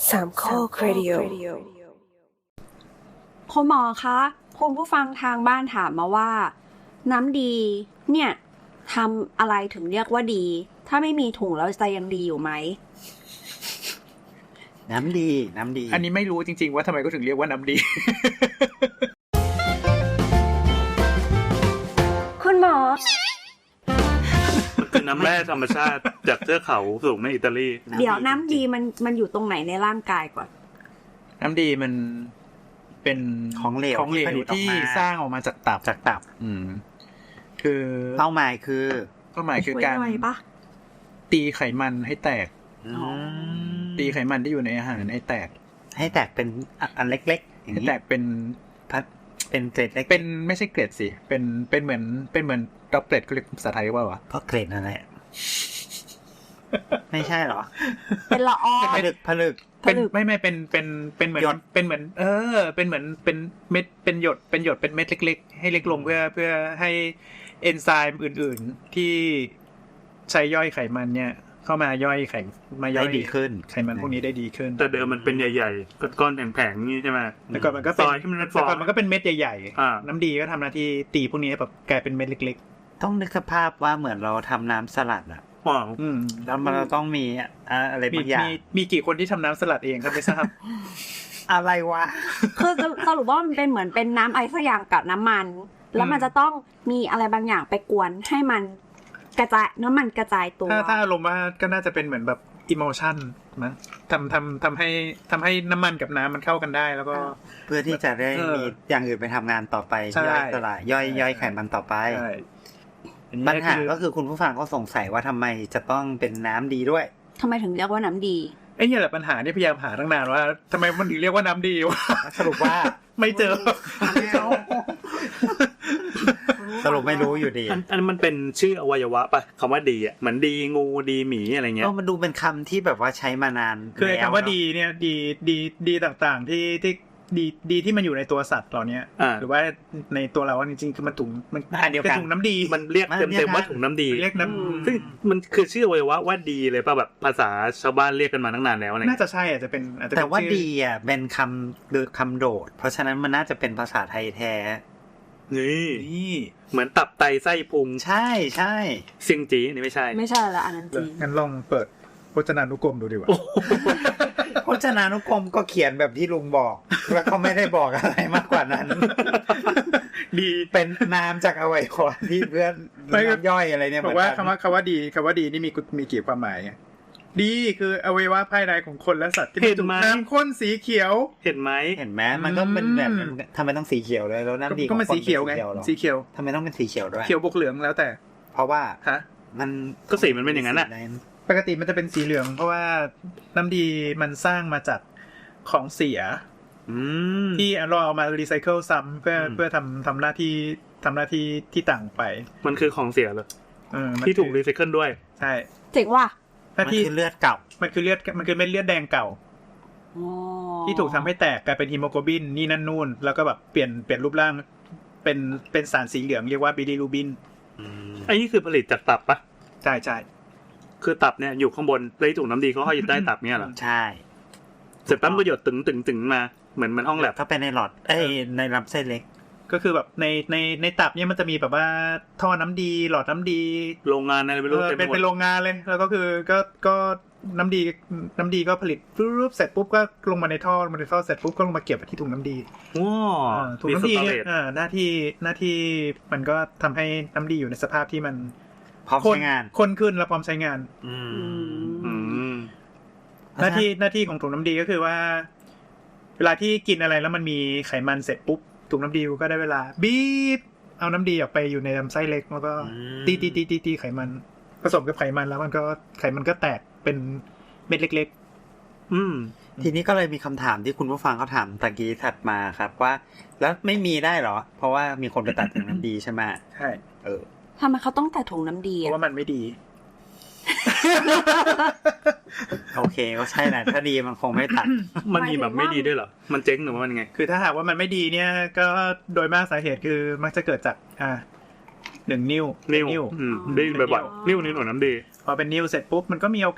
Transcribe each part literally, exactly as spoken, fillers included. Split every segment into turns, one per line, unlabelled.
สามข้อครดิโอ
คุณหมอคะคุณผู้ฟังทางบ้านถามมาว่าน้ำดีเนี่ยทำอะไรถึงเรียกว่าดีถ้าไม่มีถุงแล้วจะยังดีอยู่ไหม
น้ำดีน้ำดี
อันนี้ไม่รู้จริงๆว่าทำไมก็ถึงเรียกว่าน้ำดี
คุณหมอ
มันคือน้ำแร่ธรรมชาติจากเทือกเขาสูงในอิตาลี
เดี๋ยวน้ำดีมันมันอยู่ตรงไหนในร่างกายก่อน
น้ำดีมันเป็น
ของเหลว
ของเหลวที่สร้างออกมาจากตับ
จากตับ
อืมคือ
เป้าหมายคือ
เป้าหมายคือการตีไขมันให้แตกตีไขมันที่อยู่ในอาหารให้แตก
ให้แตกเป็นอันเล็กๆอย่าง
นี้แตกเป็นพัด
เป็นเกล็ดเล็ก
เป็นไม่ใช่เกล็ดสิเป็นเป็นเหมือนเป็นเหมือนดรอปเล็ตเขาเรียกภาษาไทยว่าวะ
เพราะเกล็ดนั่นแหละไม่ใช่หรอ
เป็นละออง
ผลึกผลึก
เป็นไม่ไม่เป็นเป็นเป็นเหมือนเป็นเหมือนเออเป็นเหมือนเป็นเม็ดเป็นหยดเป็นหยดเป็นเม็ดเล็กๆให้เล็กลงเพื่อเพื่อให้เอนไซม์อื่นๆที่ใช้ย่อยไขมันเนี่ยเข้ามาย่อยไขมาย่อย
ดีขึ้น
ไขมันพวกนี้ได้ดีขึ้น
แต่เดิมมันเป็นใหญ่ๆก้อนๆแผงๆนี่ใช่ไหม
แต่ก่อนมันก็เป็นแต่ก่อนมันก็เป็นเม็ดใหญ่ๆน้ำดีก็ทำหน้าที่ตีพวกนี้แบบกลายเป็นเม็ดเล็ก
ๆต้องนึกสภาพว่าเหมือนเราทำน้ำสลัดอ่ะ
อืม
แล้วมันต้องมีอะไรบางอย่าง
มีมีกี่คนที่ทำน้ำสลัดเองครับไม่ทราบ
อะไรวะ
คือสรุปว่ามันเป็นเหมือนเป็นน้ำไอซ์สักอย่างกับน้ำมันแล้วมันจะต้องมีอะไรบางอย่างไปกวนให้มันกระจายน้ำมันกระจายตัว
ถ้าถ้าอารมณ์ว่าก็น่าจะเป็นเหมือนแบบอิโมชันมั้งทำทำทำให้ทำให้น้ำมันกับน้ำมันเข้ากันได้แล้วก็
เพื่อที่จะได้มีอย่างอื่นไปทำงานต่อไปย่อยสลายย่อยย่อยไขมันต่อไปปัญหาก็คือคุณผู้ฟังก็สงสัยว่าทำไมจะต้องเป็นน้ำดีด้วย
ทำไมถึงเรียกว่าน้ำดี
ไอ้เนี่ยแหละปัญหาที่พยายามหาตั้งนานว่าทำไมมันถึงเรียกว่าน้ำดีวะ
สรุปว่า
ไม่เจอ
สรุปไม่รู้อยู่ดี
อันมันเป็นชื่ออวัยวะป่ะคำว่าดีอ่ะเหมือนดีงูดีหมีอะไรเงี้ย
ก็มันดูเป็นคำที่แบบว่าใช้มานาน
คือคำว่าดีเนี่ยดีดีดีต่างๆที่ที่ดีดีที่มันอยู่ในตัวสัตว์เหล่านี้หรือว่าในตัวเราจริงๆคือมันถุงมันเป็นถุงน้ำดี
มันเรียกเต็มๆว่าถุงน้ำดี
เรียกน้ำ
ซึ่งมันคือชื่ออวัยวะว่าดีเลยป่ะแบบภาษาชาวบ้านเรียกกันมาตั้งนานแล้วอะไร
น่าจะใช่อาจจะเป็น
แต่ว่าดีอ่ะเป็นคำหรือคำโดดเพราะฉะนั้นมันน่าจะเป็นภาษาไทยแท้
นี่นี่เหมือนตับไตไส้พุง
ใช่ใช่
เซียงจีนี่ไม่ใช่
ไม่ใช่ละอันนั้นจี
งั้นลองเปิดพจนานุกรมดูดีกว่า
พจนานุกรมก็เขียนแบบที่ลุงบอกแล้วเขาไม่ได้บอกอะไรมากกว่านั้นดีเป็นนามจากอวัยวะที่เพื่อนย่อยอะไรเนี่ย
บอกว่าคำว่าคำว่าดีคำว่าดีนี่มีมีกี่ความหมายดีคืออวัยวะภายในของคนและสัตว์ที่ถูกน้ำข้นสีเขียว
เห็นไหม
เห็นไหมมันก็เป็นแบบทำไมต้องสีเขียวเลยแล้วน้ำดี
ก็มันสีเขียวไงสีเขียว
ทำไมต้องเป็นสีเขียวด้วย
เขียวบวกเหลืองแล้วแต่
เพราะว่า
ฮะ
มัน
ก็สีมันเป็นอย่างนั้นแหละ
ปกติมันจะเป็นสีเหลืองเพราะว่าน้ำดีมันสร้างมาจากของเสียที่เราเอามารีไซเคิลซ้ำเพื่อเพื่อทำทำหน้าที่ทำหน้าที่ที่ต่างไป
มันคือของเสียเลยที่ถูกรีไซเคิลด้วย
ใช่
เจ๋งว่ะ
มันคือเลือดเก่า
มันคือเลือดมันคือเม็ดเลือดแดงเก่าที่ถูกทำให้แตกกลายเป็นฮีโมโกลบินนี่นั่นนู่นแล้วก็แบบเปลี่ยนเปลี่ยนรูปร่างเป็นเป็นสารสีเหลืองเรียกว่าบิลิรูบิน
ไอ้นี่คือผลิตจากตับปะ
ใช่ใช่
คือตับเนี่ยอยู่ข้างบนเลยถุงน้ำดีเขาห้อยอยู่ใต้ตับเนี่ยเหรอ
ใช่
เสร็จปั๊บก็หยดตึงตึงตึงมาเหมือนมันห้องแลบ
เข้าไปในหลอดเอ้ยในลำไส้เล็ก
ก็คือแบบในในในตับเนี่ยมันจะมีแบบว่าท่อน้ำดีหลอดน้ำดี
โรงงานอะไรไม่รู้
เป็นเป็นโรงงานเลยแล้วก็คือก็ก็น้ำดีน้ำดีก็ผลิตปุ๊บเสร็จปุ๊บก็ลงมาในท่อลงมาในท่อเสร็จปุ๊บก็ลงมาเก็บที่ถุงน้ำดี
ว้า
ถุงน้ำดีเนี่ยหน้าที่หน้าที่มันก็ทำให้น้ำดีอยู่ในสภาพที่มัน
พร้อมใช้งาน
ข้นขึ้นและพร้อมใช้งานหน้าที่หน้าที่ของถุงน้ำดีก็คือว่าเวลาที่กินอะไรแล้วมันมีไขมันเสร็จปุ๊บถุงน้ำดีก็ได้เวลาบีบเอาน้ำดีออกไปอยู่ในลำไส้เล็กแล้วก็ตีตีตีตีตีไขมันผสมกับไขมันแล้วมันก็ไขมันก็แตกเป็นเม็ดเล็ก
ๆอืมทีนี้ก็เลยมีคำถามที่คุณผู้ฟังเขาถามตะกี้ถัดมาครับว่าแล้วไม่มีได้หรอเพราะว่ามีคนไปตัดถุงน้ำดีใช่ไหม
ใช่
เออ
ทำไมเขาต้องตัดถุงน้ำดี
เพราะว่ามันไม่ดี
โอเคก็ใช่แหละถ้าดีมันคงไม่ตัด
มันมีแบบไม่ดีด้วยเหรอมันเจ๊งหรือว่ามันไง
คือถ้าหากว่ามันไม่ดีเนี่ยก็โดยมากสาเหตุคือมักจะเกิดจากอ่าหนึ่งนิ้ว
นิ้วอืมได้บ่อยๆนิ้วนิ้วหนูน้ำดี
พอเป็นนิ้วเสร็จปุ๊บมันก็มีโอกาส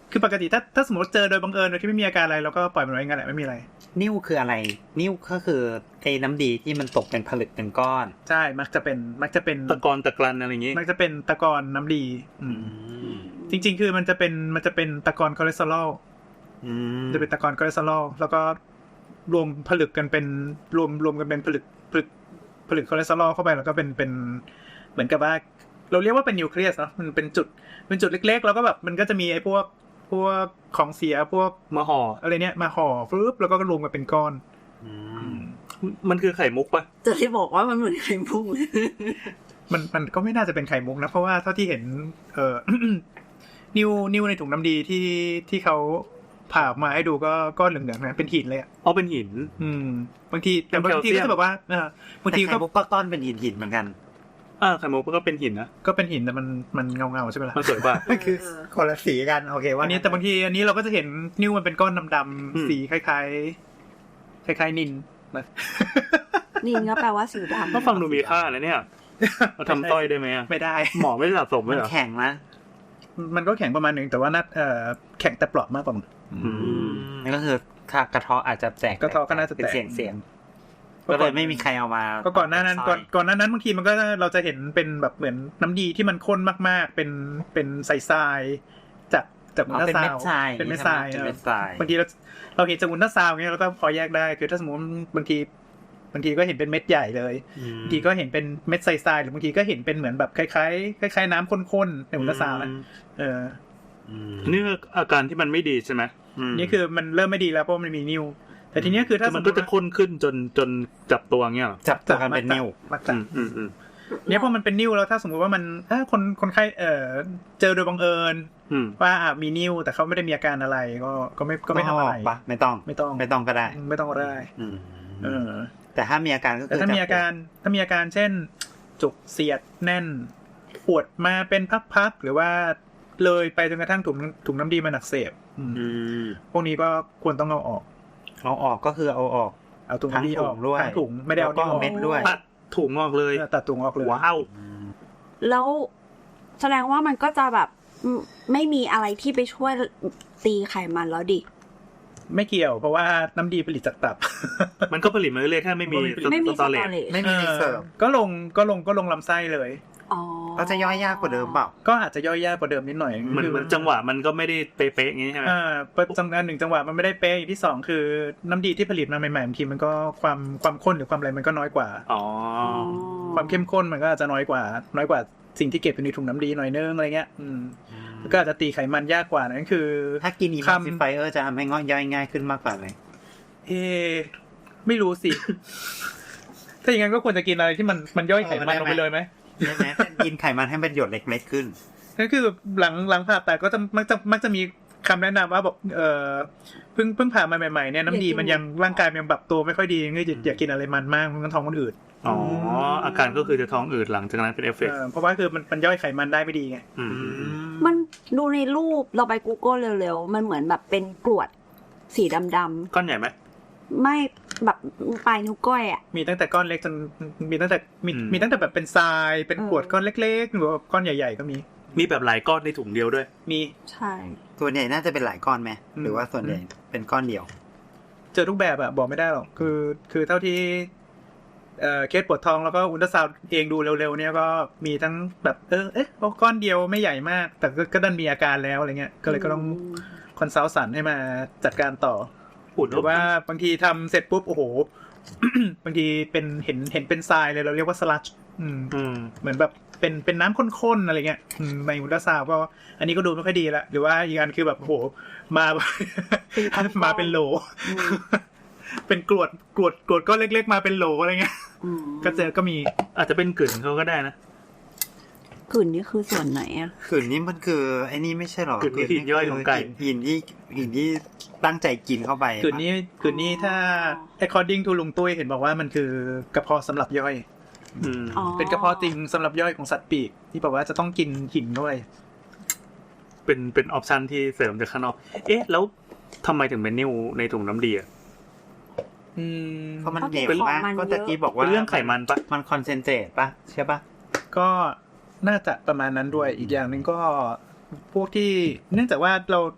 คือปกติถ้าถ้าสมมติเจอโดยบังเอิญโดยที่ไม่มีอาการอะไรเราก็ปล่อยมันไว้งั้นแหละไม่มีอะไร
นิ่วคืออะไรนิ่วก็คือไอ้น้ำดีที่มันตกเป็นผลึกเป็นก้อน
ใช่มักจะเป็นมักจะเป็น
ตะกอนตะกรันอะไรอย่างงี้
มักจะเป็นตะกอนน้ำดีอืมจริงๆคือมันจะเป็นมันจะเป็นตะกอนคอเลสเตอรอลจะเป็นตะกอนคอเลสเตอรอลแล้วก็รวมผลึกกันเป็นรวมรวมกันเป็นผลึกผลึกผลึกคอเลสเตอรอลเข้าไปแล้วก็เป็นเป็นเหมือนกับว่าเราเรียกว่าเป็นนิวเคลียสเนาะมันเป็นจุดเป็นจุดเล็กๆแล้วก็แบบมันก็จะมีไอ้พวกพวกของเสียพวก
มาห่อ
อะไรเนี้ยมาห่อฟึบแล้วก็รวมกันเป็นก้อน
มันคือไข่มุกปะ
จะที่บอกว่ามันเหมือนไข่มุก
มันมันก็ไม่น่าจะเป็นไข่มุกนะเพราะว่าเท่าที่เห็นเอ่อ นิ้วนิ้วในถุงน้ำดีที่ที่เขาผ่าออกมาให้ดูก็ก้อนเหลืองๆนะเป็นหินเลยอ่ะ
เอาเป็นหิน
อืมบางทีแต่บางทีก็จะแบบว่าเออบางที
แต่
ก็
ไข่มุกก็ก้อนเป็นหินหินเหมือนกัน
อ่าไข่มุกก็เป็นหินนะ
ก็เป็นหินแต่มันมันเงาเงาๆใช่ไหมล่ะ
มันสวยกว่า
คือคนละสีกันโอเคว่า
อันนี้แต่บางทีอันนี้เราก็จะเห็นนิ้วมันเป็นก้อนดำ
อืม
ๆสีคล้ายๆคล้ายๆนินนะ
นินก็แปลว่าสีดำ
ก็ฟังดูมีค่านะเนี่ยเราทำต้อยได้ไหมอะ
ไม่ได้
หมอไม่ได้สะสม
มั
ไว้
น
เหรอ
แข็งนะ
มันก็แข็งประมาณหนึ่งแต่ว่านัดเอ่อแข็งแต่เปราะมากกว่า
อืม
นั่นก็คือกระเทาะอาจจะแตก
กระเทาะก็น่าจะแตก
เป็นเสียงเสียงก็เลยไม่มีใครเอามา
ก็ก่อนหน้านั้นก่อนก่อนหน้านั้นบางทีมันก็เราจะเห็นเป็นแบบเหมือนน้ำดีที่มันข้นมากๆ เป็นเป็นทรายๆจากจากอุล
อ๋อ
ตรา
เป็น
ซา
เม็ดทราย
วด์เป็นเม็ดทราย
เป็น
เออ
เม็ดทราย
บางทีเราเราเห็นจากอุลตราซาวด์เงี้ยเราก็พอแยกได้คือถ้าสมมติบางทีบางทีก็เห็นเป็นเม็ดใหญ่เลยบางทีก็เห็นเป็นเม็ดทรายๆหรือบางทีก็เห็นเป็นเหมือนแบบคล้ายๆคล้ายๆน้ำข้นๆในอุลตราซาวด์นะเออ
นี่คืออาการที่มันไม่ดีใช่ไหม
นี่คือมันเริ่มไม่ดีแล้วเพราะมันมีนิ้วแต่ทีเนี้ยคือถ้า
คือมันก็จะข้นขึ้นจนจนจับตัวเงี้ยเหรอ
จับตัวกันเป็นนิ้ว
มัก
อื
จะ
มอืมอืม
เนี่ยพอมันเป็นนิ้วแล้วถ้าสมมติว่ามันเออคนคนไข้เออเจอโดยบังเอิญ
อืม
ว่าอ่ะมีนิ้วแต่เขาไม่ได้มีอาการอะไรก็ก็ไม่ก็ไม่ทำอะไร
ปะไม่ต้อง
ไม่ต้อง
ไม่ต้องก็ได้
ไม่ต้องก็ได้
อืม
เออ
แต่ถ้ามีอาการก็
แต่
คือ
ถ้ามีอาการถ้ามีอาการเช่น จุกเสียดแน่นปวดมาเป็นพักๆหรือว่าเลยไปจนกระทั่งถุงถุงน้ำดีมันอักเสบอืม
อืม
พวกนี้ก็ควรต้องเอาออก
เอาออกก็คือเอาออก
เอาถุงน้ำดีออก
ทั้งถุงด้วย
ทั้งถุงไม่ได้เอา
แล้วก็
นิ้วออก
เม็ดด้วย
ตัดถุงออกเลย
เออตัดถุงออกเลย
ว้าว
แล้วแสดงว่ามันก็จะแบบอืมไม่มีอะไรที่ไปช่วยตีไขมันแล้วดิ
ไม่เกี่ยวเพราะว่าน้ำดีผลิตจากตับ
มันก็ผลิตมาเรื่อยๆถ้าไม่มี
ไม่มี
ส
ส
ต
ต
อ
อ
เร
เร
จ
จ
ไม่มีรีเสิร์ฟ
ก็ลงก็ลงก็ลงลำไส้เลย
อ๋อ
ก็จะย่อยยากกว่าเดิมเปล่า
ก็อาจจะย่อยยากกว่าเดิมนิดหน่อย
มัน
คือ
มันจังหวะมันก็ไม่ได้เป๊ะๆอย่างงี้ใช่ไหม
อ่าจังหวะหนึ่งจังหวะมันไม่ได้เป๊ะอย่างที่สองคือน้ำดีที่ผลิตมาใหม่ๆบางทีมันก็ความความข้นหรือความอะไรมันก็น้อยกว่า
อ๋อ
ความเข้มข้นมันก็อาจจะน้อยกว่า น้อยกว่าสิ่งที่เก็บอยู่ในถุงน้ำดีหน่อยนึงอะไรเงี้ยอืมก็อาจจะตีไขมันยากกว่านั่นคือ
ถ้ากินอี
คำ
มัซิฟายเออร์จะทำให้ง่อยย่อยง่ายขึ้นมากกว่าไหม
เอไม่รู้สิ ถ้าอย่างนั้นก็ควรจะกินอะไรที่มันมันย่อยไขมันลงไปเลยไหม
ใช่ไหมกินไขมันให้เป็นหยดเล็กๆขึ้น
นั่นคือหลังหลังผ่าตัดก็จะมักจะมักจะมีคำแนะนำว่าบอกเออเพิ่งเพิ่งผ่ามาใหม่ๆเนี่ยน้ำดีมันยังร่างกายมันยังปรับตัวไม่ค่อยดีงั้นอย่าอย่ากินอะไรมันมากมันก็ท้องมันอืด
อ๋ออาการก็คือจะท้องอืดหลังจากนั้นเป็นเอฟเฟก
เอ
ต์
อเพราะว่าคือมันมันย่อยไขมันได้ไม่ดีไง
อืม
มันดูในรูปเราไป Google เร็วๆ มันเหมือนแบบเป็นกรวดสีดำ
ก้อนใหญ่ไหม
ๆ ไม่แบบปลายนิ้วก้อยอ่ะ
มีตั้งแต่ก้อนเล็กจนมีตั้งแต่มี
อืม
มีตั้งแต่แบบเป็นทรายเป็น
เออ
ขวดก้อนเล็กๆหรือว่าก้อนใหญ่ๆก็มี
มีแบบหลายก้อนในถุงเดียวด้วย
มี
ใช่
ส่วนใหญ่น่าจะเป็นหลายก้อนไหม
อืม
หรือว่าส่วนใหญ่เป็นก้อนเดียว
เจอทุกแบบอะบอกไม่ได้หรอกคือคือเท่าที่เอ่อเคสปวดท้องแล้วก็อุลตราซาวด์เองดูเร็วๆเนี่ยก็มีทั้งแบบเออเอ๊ะก้อนเดียวไม่ใหญ่มาก แต่ก็ก็ดันมีอาการแล้วอะไรเงี้ยก็เลยก็ต้องคอนซัลท์สันให้มาจัดการต่อ
อุ่น
หรือว่าบางทีทำเสร็จปุ๊บโอ้โห บางทีเป็นเห็นเห็นเป็นทรายเลยเราเรียกว่าสลัดอืม
อืม
เหมือนแบบเป็นเป็นน้ำข้นๆอะไรเงี้ยอืมในอุลตราซาวด์ก็อันนี้ก็ดูไม่ค่อยดีละหรือว่าอีกอันคือแบบโอ้โหมา มาเป็นโหล
อืม
เป็นกรวดกรวดกรวดก้อนเล็กๆมาเป็นโหลอะไรเงี้ย
อืม
ก็เจอก็มี
อาจจะเป็นกลิ่นเขาก็ได้นะ
กลิ่นนี่คือส่วนไหนอ่ะ
ขืนนี้มันคือไอ้นี่ไม่ใช่หรอ
ขืนนี่หินย่อยของไก่
หินที่หินที่ตั้งใจกินเข้าไป
คืนนี้คืนนี้ถ้า according to ลุงตุ้ยเห็นบอกว่ามันคือกระเพาะสำหรับย่อย
อืม
อ๋อ
เป็นกระเพาะจริงสำหรับย่อยของสัตว์ปีกที่บอกว่าจะต้องกินหินด้วย
เป็นเป็นออปชันที่เสริมจากข้างนอก เอ๊ะ แล้วทำไมถึงเป็นนิ้วในถุงน้ำดีอ่ะ
อืม
เพราะมันเหนียว
เป็น
มากก็ตะกี้บอกว่า
เป็นเรื่องไขมันปะ
มันคอนเซนเทรตปะใช่ปะ
ก็น่าจะประมาณนั้นด้วยอีกอย่างหนึ่งก็พวกที่เนื่องจากว่าเรา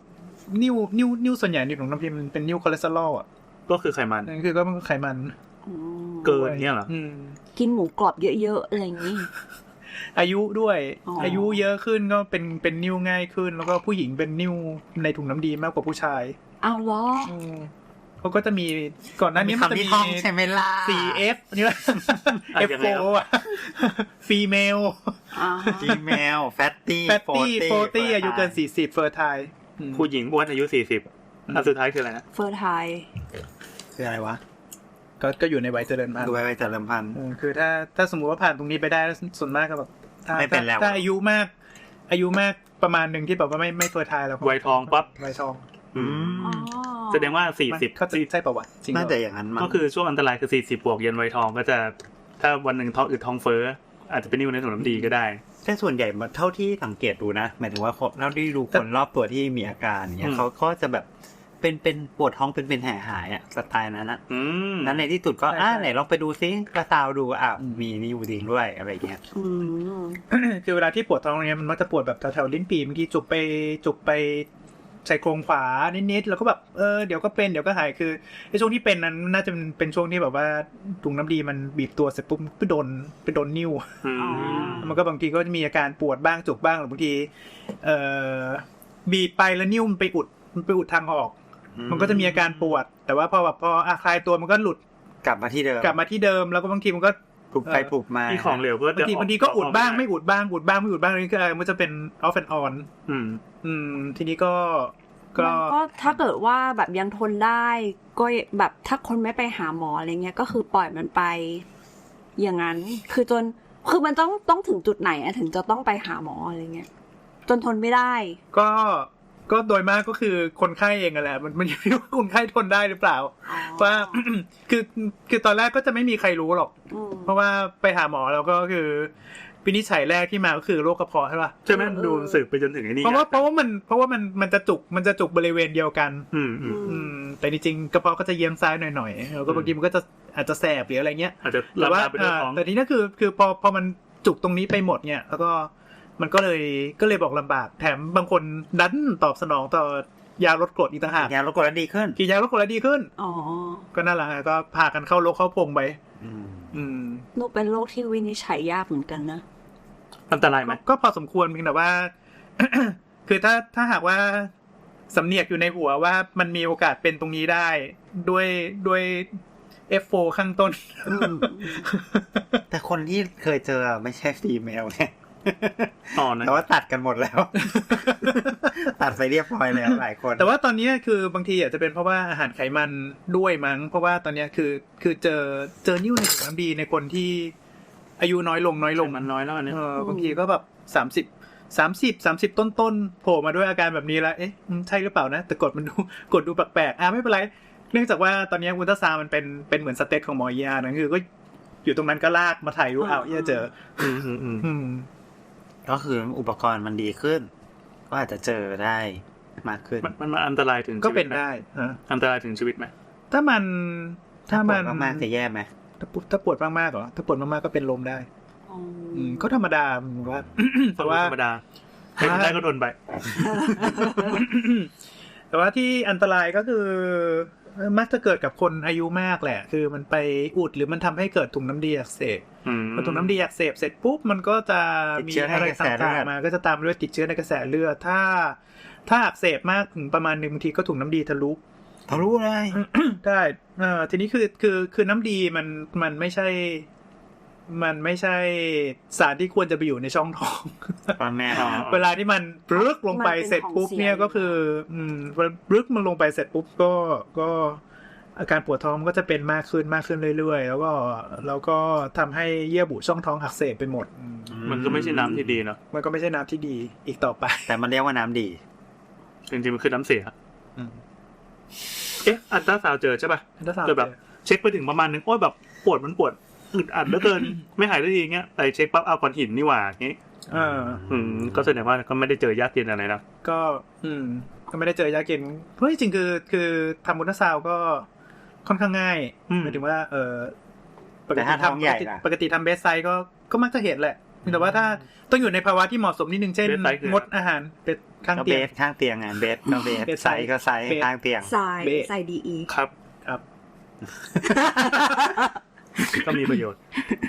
นิ่วนิ่วนิ่วส่วนใหญ่ในถุงน้ำดีมันเป็นนิ่วคอเลสเตอรอลอ่ะ
ก็คือไขมัน
นั่นคือก็มันไขมัน
อืม
เกินเนี่ยเหรอ
อืม
กินหมูกรอบเยอะๆอะไรอย่างนี้
อายุด้วย
อ๋ออ
อายุเยอะขึ้นก็เป็นเป็นนิ่วง่ายขึ้น แล้วก็ผู้หญิงเป็นนิ่วในถุงน้ำดีมากกว่าผู้ชาย
อ้าวเหรอ
อืมเขาก็จะมีก่อนหน้านี้มันจะ
คำที่
มี
ท่องใช่ไหมล่ะ
ซี เอฟ นี่ว่า
อ่ะ
เอฟ
ยัง
โฟ
ไงวะ
อ่ะ ฟีเมล
อ่า
Gmail fatty
แฟตตี้โฟตี้อายุเกินสี่สิบเฟอร์ไทล์
ผู้หญิงอ้วนอายุสี่สิบอันสุดท้ายคืออะไรนะ
เฟอร์ไทย
คืออะไรวะ
ก็ก็อยู่ในวัยเจริญพันธุ์
ดูไว้ไว้เจริญพันธุ์
เออคือถ้าถ้าสมมุติว่าผ่านตรงนี้ไปได้ส่วนมากก็แบบถ้า
ไม่เป็นแล้ว
ถ้าอายุมาก อายุมากประมาณหนึ่งที่แบบว่าไม่ไม่เฟอร์ไทล์แล้วก็
วัยทองปั๊บ
วัยทอง
อืม
อ๋อ
แสดงว่าสี่สิบ
เขาจะใช่ป่าวะจริงเหร
น่า
อ
จะอย่างนั้นมั้ง
ก็คือช่วงอันตรายคือสี่สิบบวกเย็นวัยทองก็จะถ้าวันหนึ่งท้องอืดท้องเฟ้ออาจจะเป็นนิ่วในถุงน้ำดีก็ได้
แต่ส่วนใหญ่เท่าที่สังเกตดูนะหมายถึงว่าเท่าที่ดูคนรอบตัวที่มีอาการเนี่ยเขาก็จะแบบเป็นเป็นปวดท้องเป็นเป็นแห่หายอะสไตล์นั้นนะ
อืม
นั้นในที่สุดก็อ่าไหนลองไปดูซิกระซาวดูอ่ะมีนิ่วจริงด้วยอะไรเงี้ย
อืม
คือเวลาที่ปวดท้องเนี้ยมันมักจะปวดแบบแถวๆลิ้นปี่บางทีจุกไปจุกไปใส่โครงขวานิดๆแล้วก็แบบเออเดี๋ยวก็เป็นเดี๋ยวก็หายคือในช่วงที่เป็นนั้นน่าจะเป็นช่วงที่แบบว่าถุงน้ำดีมันบีบตัวเสร็จปุ๊บไปโดนไปโดนนิ้ว
อืม
มันก็บางทีก็จะมีอาการปวดบ้างจุกบ้างหรือบางทีเอ่อบีบไปแล้วนิ้วมันไปอุดมันไปอุดทางออก มันก็จะมีอาการปวด แต่ว่าพอแบบพออาคลายตัวมันก็หลุด
กลับมาที่เดิม
กลับมาที่เดิมแล้วก็บางทีมันก็
ปลุกไปปลุกมา
ที่ของเหลวก็
บาง
จะ
ทีบางทีก็อุดบ้างไม่อุดบ้างอุดบ้างไม่อุดบ้างนี่คือมันจะเป็น off and on
อืม
อืมทีนี้ก็ก็
มันก็ถ้าเกิดว่าแบบยังทนได้ก็แบบถ้าคนไม่ไปหาหมออะไรเงี้ยก็คือปล่อยมันไป อย่างนั้นคือจนคือมันต้องต้องถึงจุดไหนอะถึงจะต้องไปหาหมออะไรเงี้ยจนทนไม่ได้
ก็ก็โดยมากก็คือคนไข้เองอะแหละมันมันอยู่ที่ว่าคนไข้ทนได้หรือเปล่าว่า คือคือตอนแรกก็จะไม่มีใครรู้หรอก
อืม
เพราะว่าไปหาหมอแล้วก็คือวินิจฉัยแรกที่มาก็คือโรคกระเพาะใช่ป่ะ
ใช่ไหมดูสืบไปจนถึงไอ้นี่
เพราะว่าเพราะว่ามันเพราะว่ามันมันจะจุกมันจะจุกบริเวณเดียวกัน
อืมอืม
อืมแต่จริงๆกระเพาะก็จะเยียงซ้ายหน่อยๆแล้วก็บางทีมันก็จะอาจจะแสบหรืออะไรเงี้ย
อาจจะ
แต่
ลำ
ว่า
บากไปด้วยท้อง
แต่ทีนี้คือคือพอพอมันจุกตรงนี้ไปหมดเนี่ยแล้วก็มันก็เลยก็เลยบอกลำบากแถมบางคนดันตอบสนองต่อยาลดกรดอีกต่างหาก
ยาลดกรดแล้วดีขึ้น
กินยาลดกรดแล้วดีขึ้น
อ๋อ
ก็นั่นแหละก็พากันเข้าโรคเข้าพงไป
อืม
อืม
นูเป็นโรคที่วินิจฉัยยากเหมือนกันนะ
อันตรายไหม
ก็ก็พอสมควรเพียงแต่ว่า คือถ้าถ้าหากว่าสำเนียกอยู่ในหัวว่ามันมีโอกาสเป็นตรงนี้ได้ด้วยด้วย เอฟ โฟร์ ข้างต้น
แต่คนที่เคยเจอไม่ใช่ฟีเมลเนี่ย
อ๋อนะ
แต่ว่าตัดกันหมดแล้ว ตัดไปเรียบร้อยแล้วหลายคน
แต่ว่าตอนนี้คือบางทีอาจจะเป็นเพราะว่าอาหารไขมันด้วยมั้งเพราะว่าตอนนี้คือคือเจอเจอนิ้วในถุงน้ำดีในคนที่อายุน้อยลงน้อยลง
มันน้อยแล้วอันนี้
เออบางทีก็แบบสามสิบสามสิบสามสิบต้นต้นๆโผล่มาด้วยอาการแบบนี้แล้วเอ๊ะใช่หรือเปล่านะแต่กดมันดูกดดูแปลกๆอ่ะไม่เป็นไรเนื่องจากว่าตอนนี้อุลตราซาวด์มันเป็นเป็นเหมือนสเตตของหมอเอียนะคือก็อยู่ตรงนั้นก็ลากมาถ่ายรูปเอาเอียเจอ
อืมอืมอืม
อืม
ก็คืออุปกรณ์มันดีขึ้น ก็อาจจะเจอได้มากขึ้น
มันมันมันอันตรายถึง
ก็
ชีวิ
เป็
ต
น
ไหม
ได้ฮะ
อันตรายถึงชีวิตไหม
ถ้ามันถ้ามัน
ปวดมากๆจะแย่ไหม
ถ้าปวดถ้าปวดมากๆเหรอถ้าปวดมากๆก็เป็นลมได้
อ๋อ
อืมก็ธรรมดาผมว่า แต่ว่า
ธรรมดาให้มันได้ก็ทนไป
แต่ว่าที่อันตรายก็คือมักจะเกิดกับคนอายุมากแหละ คือมันไปอุดหรือมันทำให้เกิดถุงน้ำดีอักเสบ
อืม
พอถุงน้ำดีอักเสบเสร็จปุ๊บมันก็จะมีอะไรต่างๆมาก็จะตามด้วยติดเชื้อในกระแสเลือดถ้า ถ้าอักเสบมากถึงประมาณหนึ่งบางทีก็ถุงน้ำดีทะลุ
ทะลุเลย
ได้เออทีนี้คือคือคือน้ำดีมันมันไม่ใช่ มันไม่ใช่สารที่ควรจะไปอยู่ในช่องท้อง
ตอนแม่
อ๋อ
เวลาที่มันปลึกลงไปเสร็จปุ๊บเนี่ยก็คือ อืมปลึกมันลงไปเสร็จปุ๊บก็ก็อาการปวดท้องมันก็จะเป็นมากขึ้นมากขึ้นเรื่อยๆแล้วก็แล้วก็ทำให้เยื่อบุช่องท้องอักเสบไปหมดอืม
มันก็ไม่ใช่น้ำที่ดีเนาะ
มันก็ไม่ใช่น้ำที่ดีอีกต่อไป
แต่มันเรียกว่าน้ำดี
จริงๆมันคือน้ำเสีย
อืม
เอ๊ะอันตราซาวด์เจอใช่ป่ะ
ถ้าสาว
เจอแบบเช็คไปถึงประมาณนึงโอ้ยแบบปวดมันปวดอึดอัดเหลือเกิน ไม่หายได้ทีเงี้ยแต่เช็คปั๊บเอาก้อนหินนี่หว่าอย่างงี้
เออ
อืมก็แสดงว่าก็ไม่ได้เจอยากเย็นอะไรนะ
ก็อืมก็ไม่ได้เจอยากินเพราะจริงๆคือคือทำอุลตราซาวด์ก็ค่อนข้างง่าย
อืม
หมายถึงว่าเออปก
แต่
ติ
ถ้าท้อง
ทำ
ใหญ่
ปกติ
ล่ะ
ปกติทำเบสไซด์ก็ก็มักจะเห็นแหละแต่ว่าถ้าต้องอยู่ในภาวะที่เหมาะสมนิดนึงเช่น
เบสไซส์คือง
ดอาหารเป็ดข้าง
ก็
เตี
เบ
ยง
สข้างเตียงไงเบสก็เบส
เบส
ไซส์ก็ไซส์
เบส
ข้างเตียง
ใส่
เบะ
ใส่ดีอี
ครับ
ครับ
ก็มีประโยชน์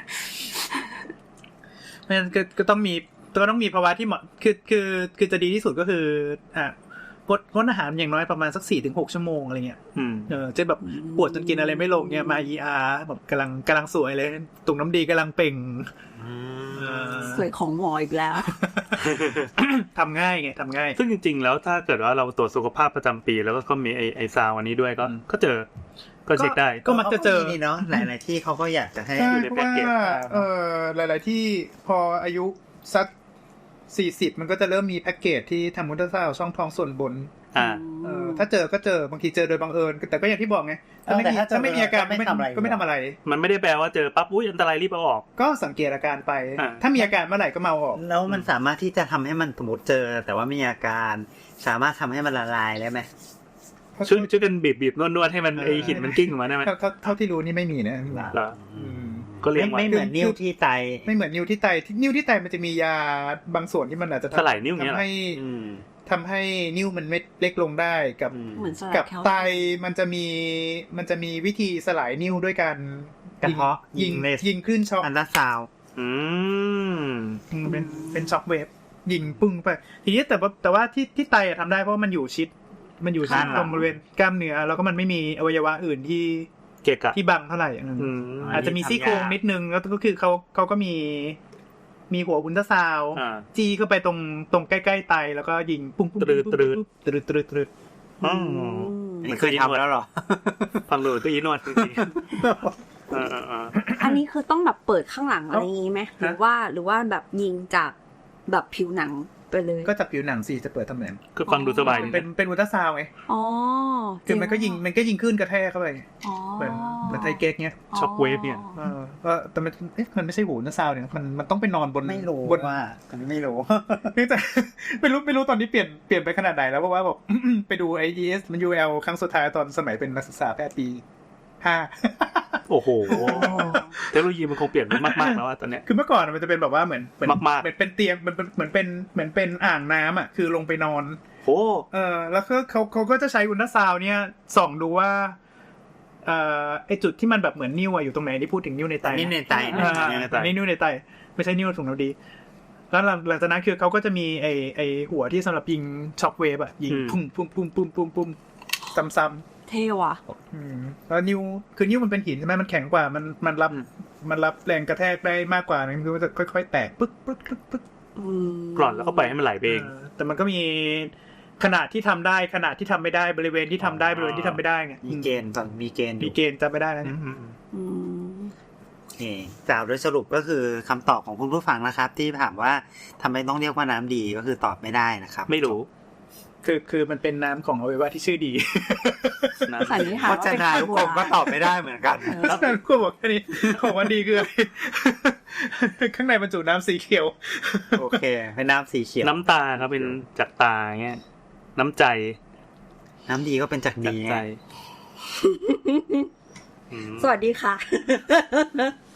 เพราะฉะนั้นก็ก็ต้องมีก็ต้องมีภาวะที่เหมาะคือคือคือจะดีที่สุดก็คืออ่ะงดงดอาหารอย่างน้อยประมาณสักสี่ถึงหกชั่วโมงอะไรเงี้ย
อืม
เออจะแบบปวดจนกินอะไรไม่ลงเนี่ยมา อี อาร์ แบบกำลังกำลังสวยเลยตุ่มน้ำดีกำลังเป่งเออ
สวยของหมออีกแล้ว
ทำง่ายไงทำง่าย
ซึ่งจริงๆแล้วถ้าเกิดว่าเราตรวจสุขภาพประจำปีแล้วก็ก็มีไอไอซาวอันนี้ด้วยก็
อืม
ก็เจอก็เช็คได้
ก็มักจะเจอ
นี่เนาะหลายๆที่เขาก็อยากจะให้
ใช่
อยู่ใน
เพราะ
แพ็ก
ว่า
เกจ
เออหลาย ๆ ที่พออายุสักสี่สิบมันก็จะเริ่มมีแพ็กเกจที่ทำมุลตราซาวด์ช่องท้องส่วนบน
อ่า
เออถ้าเจอก็เจอบางทีเจอโดยบังเอิญแต่ก็อย่างที่บอกไงถ้าไม่มี
เออแต่ถ้าเจอ
ถ้าไม่มีอาการ
ก็ไม่ทำอะไร
ก็ไม่ทำอะไร
มันไม่ได้แปลว่าเจอปั๊บอุ้ยอันตรายรีบเอาออก
ก็สังเกตอาการไป
อ่า
ถ้ามีอาการเมื่อไหร่ก็มาเอาออก
แล้วมันสามารถที่จะทำให้มันสมมติเจอ แต่ว่าไม่มีอาการสามารถทำให้มันละลายได้ไหม
ช่วยช่วยกันบีบบีบนวดนวดให้มันไอหินมันกิ้งออกมาได้ไหม
เท่าเท่าเท่าที่รู้นี่ไม่มีนะ
เหรอ
อืม
ก็เลี้ยง
ไม่
ไว้
ไม่เหมือนนิ้วที่ไต
ไม่เหมือนนิ้วที่ไตที่นิ้วที่ไตมันจะมียาบางส่วนที่มันอาจจะ
ถลายนิ้วเงี้ย
ทำ
เหรอ
ให้
อืม
ทำให้นิ้วมันเม็ดเล็กลงได้กับ
อืม
เหมือนสลาย
กับ
แคล
ไต
เซียม
มันจะมีมันจะมีวิธีสลายนิ้วด้วยการ
กระเทาะ
ยิง
ยิงเลส
ยิงคลื่นช็อค
อันตราซาวด์
อืม
อืมเป็นเป็นช็อคเวฟยิงปึ้งไปทีนี้แต่ว่าแต่ว่าที่ที่ไตอะทำได้เพราะว่ามันอยู่ชิด มันอยู่ชิดตรงบริเวณกล้ามเนื้อแล้วก็มันไม่มีอวัยวะอื่นที่
เกะกะ
ที่บังเท่าไหร่อืม
อืม
อาจจะมีซี่โครงนิดนึงแล้วก็คือเขาเขาก็มีมีหัวอุลตราซาวด์
อ่า
จี้เข้าไปตรงตรงใกล้ๆไตแล้วก็ยิงปุ้งปุ้ง
ตรึดตรึด
ตรึดตรึดตรึด
อ๋อ
อันนี้เคยทำแล้วเหรอ
ฟังดูก็อีนวดจริงๆเออเออเออ
อันนี้คือต้องแบบเปิดข้างหลังอะไรอย่างงี้ไหมหรือว่าหรือว่าแบบยิงจากแบบผิวหนังไปเลย
ก็จับผิวหนังสิจะเปิดทำไม
ก็ฟังดูสบายดี
เป็น
นะ
เป็นอุลตราซาวด์ไง
อ๋อ
คือมันก็ยิงมันก็ยิงคลื่นกระแทกเข้าไป
อ๋อ
เหมือนเหมือนไทเก๊กเนี้ย
ช็อคเวฟเนี่ย
เออก็แต่มันเอ๊ะมันไม่ใช่หูอุลตราซาวด์เนี่ยมันมันต้องไปนอนบน
ไม่รู้
บน
ว่าอันนี้ไม่รู้
เนื่องจาก ไม่รู้ไม่รู้ตอนนี้เปลี่ยนเปลี่ยนไปขนาดไหนแล้วเพราะว่าแบบ ไปดู ไอ อี เอส มัน ยู แอล ครั้งสุดท้ายตอนสมัยเป็นนักศึกษาแพทย์ปีห้า
โอ้โหเทคโนโลยีมันคงเปลี่ยนไปมากๆแล้วอะตอนเนี้ย
คือเมื่อก่อนมันจะเป็นแบบว่าเหมือนเหมือน
มากๆ
เหมือนเป็นเตียงเหมือนเหมือนเป็นเหมือนเป็นอ่างน้ำอ่ะคือลงไปนอน
โอ้
เออแล้วก็เขาเขาก็จะใช้อุลตราซาวด์เนี่ยส่องดูว่าเอ่อไอจุดที่มันแบบเหมือนนิ้วอะอยู่ตรงไหนที่พูดถึงนิ้วในไต
นิ้วในไต
อ่า
นิ้วในไต
อันนี้นิ้วในไตไม่ใช่นิ้วถุงน้ำดีแล้วหลังหลังจากนั้นคือเขาก็จะมีไอไอหัวที่สำหรับยิงช็อคเวฟอะยิงปุ้มปุ้มปุ้มปุ้มปุ้มปุ้มซ้ำๆ
เท่ว่ะ
อืมแล้วนิ้วคือนิ้วมันเป็นหินใช่ไหมมันแข็งกว่ามันมันรับมันรับแรงกระแทกได้มากกว่านะคือมันจะค่อยๆแตกปึ๊กปึ๊กปึ๊กปึ๊ก
อืม
กร่อนแล้วก็ปล่อยให้มันไหลไปเอง
เออแต่มันก็มีขนาดที่ทำได้ขนาดที่ทำไม่ได้บริเวณที่ทำได้บริเวณที่ทำไม่ได้ไง
มีเกณฑ์ตอนมีเกณฑ์อ
มี
ยู่
เกณฑ์จำไม่ได้แล้วเนี่ย
อืม
โอเคกล่าวโดยสรุปก็คือคำตอบของคุณผู้ฟังนะครับ ที่ถามว่าทำไมต้องเรียกว่าน้ำดีก็คือตอบไม่ได้นะครับ
ไม่รู้
คือคือมันเป็นน้ำของอวัยวะที่ชื่อดี
นะ
สันนิษฐาน
เพ
ว่า
ราะฉะ
เป็น
นั้น
ข้าว
ทุก
โบ
คนก็
ราณ
ตอบไม่ได้เหมือนกัน
แล้วนั่นก็บอกแค่นี้ของมันดีคืออะไร ข้างในบรรจุน้ำสีเขียว
โอเคเป็นน้ำสีเขียว
น้ำตาครับเป็นจากตาเงี้ยน้ำใจ
น้ำดีก็เป็นจาก
จาก
ดี
ใจ
ไง
อืม
สวัสดีค่ะ